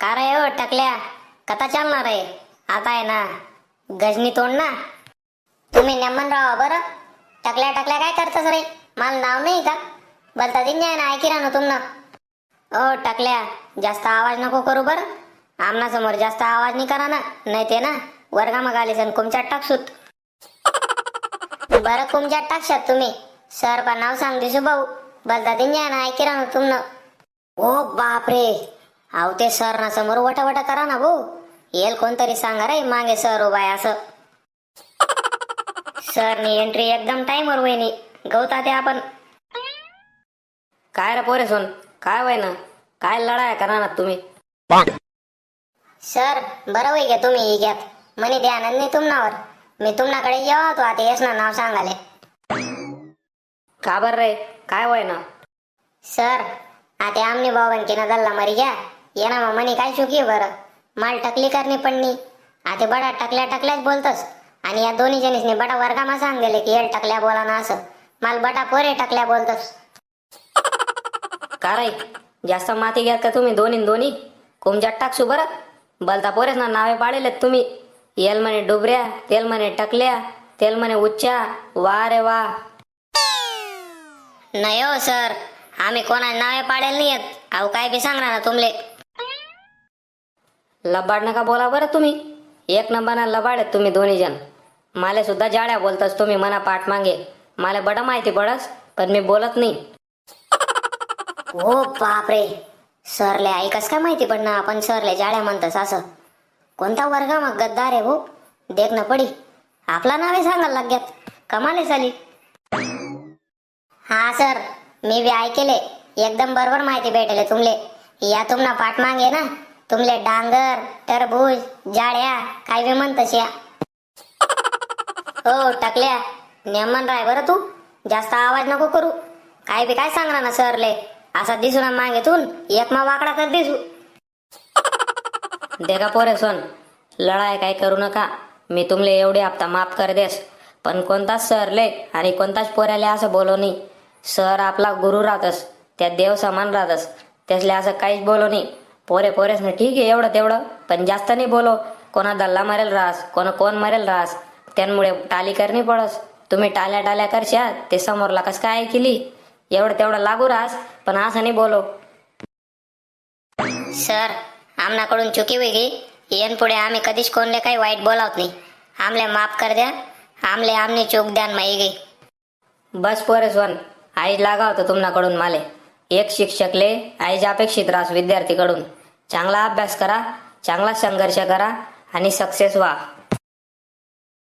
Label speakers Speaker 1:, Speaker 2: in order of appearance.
Speaker 1: का रे हो टकल्या, कथा चालणार आहे आता आहे ना गजनी तोंड ना. तुम्ही नेमन राहा बरं. टकल्या टकल्या काय करतस रे? मला नाव नाही का? बोलता दिन ना ऐकी ना तुमनं. ओ टकल्या, जास्त आवाज नको करू बरं. आमना समोर जास्त आवाज नाही करा ना, नाही ते ना वर्गामध्ये आले सन कुमच्यात टाकसूत. बरं कुमच्यात टाकशात तुम्ही. सर पण नाव सांग दिसू भाऊ. बोलता दिन ना ऐकी ना तुमनं. ओ बाप रे, अहो ते सर ना समोर वटा करा ना भाऊ. येल कोणतरी सांगा रे मागे सर उभा आहे असं. सरनी एंट्री एकदम टाइमवर वहिनी गवता ते आपण.
Speaker 2: काय रे पोरे सोन, काय वय ना, काय लढाया करणार तुम्ही?
Speaker 1: सर बरं होई घ्या तुम्ही घ्यात म्हणे ध्यान नाही तुम्हावर. मी तुम्हाकडे येवा होतो आता येस ना नाव सांगाले.
Speaker 2: का बर रे, काय वय ना?
Speaker 1: सर आता आमने भाऊ ना दल्ला मरी घ्या ये ना मग म्हणे काय चुकी बरं. माल टकली करणे पडणी आता बडा टकल्याच बोलतस. आणि या दोन्ही जणीसने बडा वर्गामा सांगले की येल टकल्या बोला ना असं. माल बटा पोरे टकल्या बोलतस.
Speaker 2: का रे, जास्त माती घ्यात का तुम्ही दोन्ही कुमच्यात टाकसू बरं. बलता पोरेस ना नावे पाडेलेत तुम्ही. येल म्हणे डुबऱ्या, तेल म्हणे टकल्या, तेल म्हणे उच्चा. वा रे वा.
Speaker 1: नाही हो सर, आम्ही कोणा नावे पाडेल नाही येत. अहो काय बी सांगणार ना तुमले.
Speaker 2: लबाड नका बोला बरं तुम्ही. एक नंबरना लबाड आहेत तुम्ही दोन्ही जण. माले सुद्धा जाड्या बोलतस तुम्ही मना पाठ मागे. मला बडा माहिती पडस पण मी बोलत नाही.
Speaker 1: हो बापरे, सरले ऐकस काय माहिती पडणार आपण सरले जाड्या म्हणतस असं. कोणता वर्ग मग गद्दार आहे हो. देख ना पडी आपला नावे सांगायला लाग्यात. कमाले झाली. हा सर, मी बी ऐकेले एकदम बरोबर माहिती भेटले तुमले. या तुमना पाठ मागे ना तुमले डांगर टरबूज जाड्या काय बी म्हणतस या. हो टकल्या, नेमन राय बरं तू. जास्त आवाज नको करू. काय बी काय सांगणार ना सरले. असा दिसू ना मागेतून एक मा वाकडा कर दिसू.
Speaker 2: देखा पोरे सोन, लढाई काय करू नका. मी तुमले एवढे हप्ता माफ कर देस. पण कोणताच सरले आणि कोणताच पोऱ्याले असं बोलो नाही. सर आपला गुरु राहतस, त्या देव समान राहतस. त्यासले असं काहीच बोलो नाही. पोरेस ना ठीक आहे एवढं तेवढं, पण जास्त नाही बोलो. कोणा दल्ला मरेल रास, कोण मरेल रास. त्यामुळे टाली करणी पडस. तुम्ही टाल्या करशा ते समोरला कस काय केली. एवढं तेवढं लागू रास, पण असं नाही बोलो.
Speaker 1: सर आमनाकडून चुकी वेगळी. येन पुढे आम्ही कधीच कोणले काही वाईट बोलावत नाही. आमले माफ कर द्या. आमने चूक द्यान माही गई.
Speaker 2: बस पोरेस वन, आईज लागा होतं तुमनाकडून माले. एक शिक्षकले आईज अपेक्षित रास विद्यार्थीकडून. चांगला अभ्यास करा, चांगला संघर्ष करा आणि सक्सेस व्हा.